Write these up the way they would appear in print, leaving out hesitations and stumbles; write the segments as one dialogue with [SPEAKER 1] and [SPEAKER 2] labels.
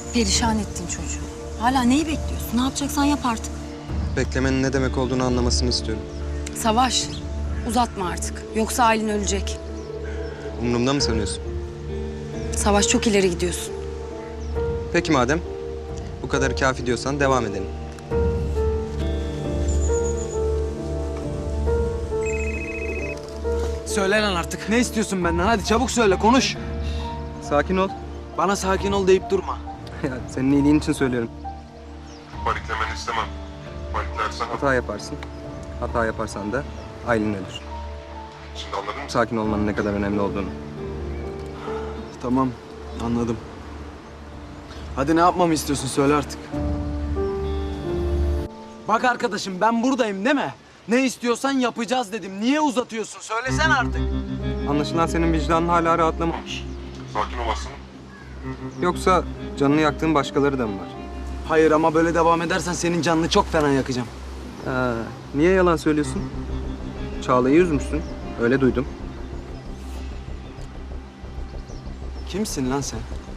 [SPEAKER 1] Perişan ettin çocuğu. Hala neyi bekliyorsun? Ne yapacaksan yap artık.
[SPEAKER 2] Beklemenin ne demek olduğunu anlamasını istiyorum.
[SPEAKER 1] Savaş, uzatma artık. Yoksa Aylin ölecek.
[SPEAKER 2] Umurumda mı sanıyorsun?
[SPEAKER 1] Savaş, çok ileri gidiyorsun.
[SPEAKER 2] Peki madem bu kadar kafi diyorsan devam edelim.
[SPEAKER 3] Söyle lan artık. Ne istiyorsun benden? Hadi çabuk söyle, konuş.
[SPEAKER 2] Sakin ol.
[SPEAKER 3] Bana sakin ol deyip durma.
[SPEAKER 2] Ya, senin iyiliğin için söylüyorum.
[SPEAKER 4] Paniklemeni istemem. Paniklersen
[SPEAKER 2] Hata yaparsın. Hata yaparsan da Aylin ölür.
[SPEAKER 4] şimdi anladın mı?
[SPEAKER 2] Sakin olmanın ne kadar önemli olduğunu.
[SPEAKER 3] Tamam, anladım. Hadi ne yapmamı istiyorsun? Söyle artık. Bak arkadaşım, ben buradayım değil mi? Ne istiyorsan yapacağız dedim. Niye uzatıyorsun? Söylesene artık.
[SPEAKER 2] Anlaşılan senin vicdanın hala rahatlamamış.
[SPEAKER 4] Sakin olasın.
[SPEAKER 2] Yoksa canını yaktığın başkaları da mı var?
[SPEAKER 3] Hayır ama böyle devam edersen senin canını çok fena yakacağım.
[SPEAKER 2] Niye yalan söylüyorsun? Çağla'yı üzmüşsün. Öyle duydum.
[SPEAKER 3] Kimsin lan sen?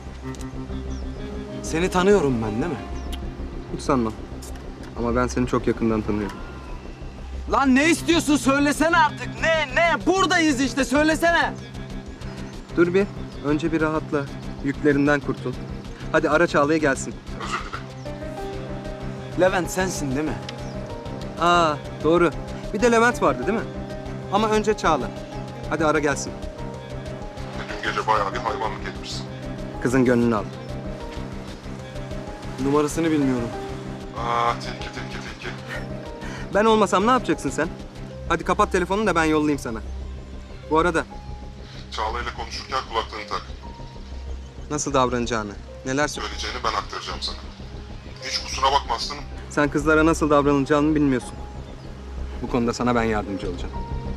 [SPEAKER 3] Seni tanıyorum ben değil mi?
[SPEAKER 2] Hiç sanmam. Ama ben seni çok yakından tanıyorum.
[SPEAKER 3] Lan ne istiyorsun? Söylesene artık. Ne? Buradayız işte. Söylesene.
[SPEAKER 2] Dur bir. Önce bir rahatla. Yüklerinden kurtul. Hadi ara Çağla'ya gelsin.
[SPEAKER 4] Özür dilerim.
[SPEAKER 3] Levent sensin değil mi?
[SPEAKER 2] Doğru. Bir de Levent vardı değil mi? Ama önce Çağla. Hadi ara gelsin.
[SPEAKER 4] Dün gece bayağı bir hayvanlık etmişsin.
[SPEAKER 2] Kızın gönlünü al.
[SPEAKER 3] Numarasını bilmiyorum.
[SPEAKER 4] Tilki.
[SPEAKER 2] Ben olmasam ne yapacaksın sen? Hadi kapat telefonunu da ben yollayayım sana. Bu arada
[SPEAKER 4] Çağla ile konuşurken kulaklığını tak.
[SPEAKER 2] nasıl davranacağını, neler söyle.
[SPEAKER 4] Söyleyeceğini ben aktaracağım sana. Hiç kusura bakma aslanım.
[SPEAKER 2] Sen kızlara nasıl davranılacağını bilmiyorsun. Bu konuda sana ben yardımcı olacağım.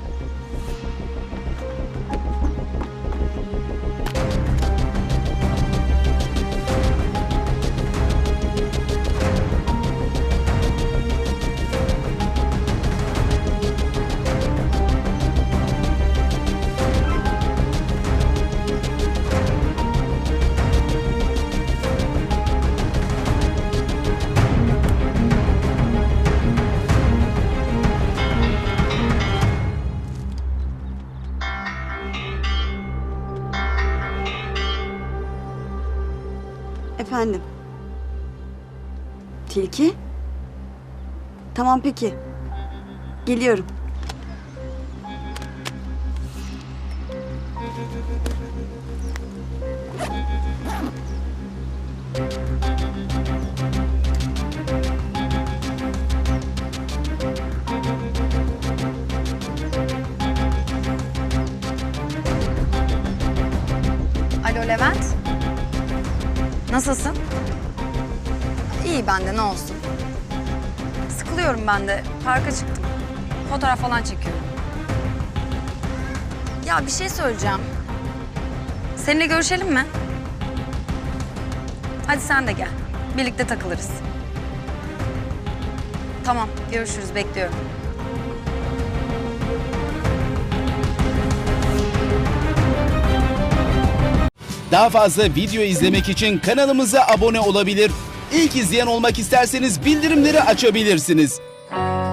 [SPEAKER 5] Efendim? Tilki? Tamam peki. Geliyorum.
[SPEAKER 1] Alo Levent. Nasılsın? İyi ben de, ne olsun. Sıkılıyorum ben de. Parka çıktım. Fotoğraf falan çekiyorum. Ya bir şey söyleyeceğim. Seninle görüşelim mi? Hadi sen de gel. Birlikte takılırız. Tamam, görüşürüz. Bekliyorum.
[SPEAKER 6] Daha fazla video izlemek için kanalımıza abone olabilir. İlk izleyen olmak isterseniz bildirimleri açabilirsiniz.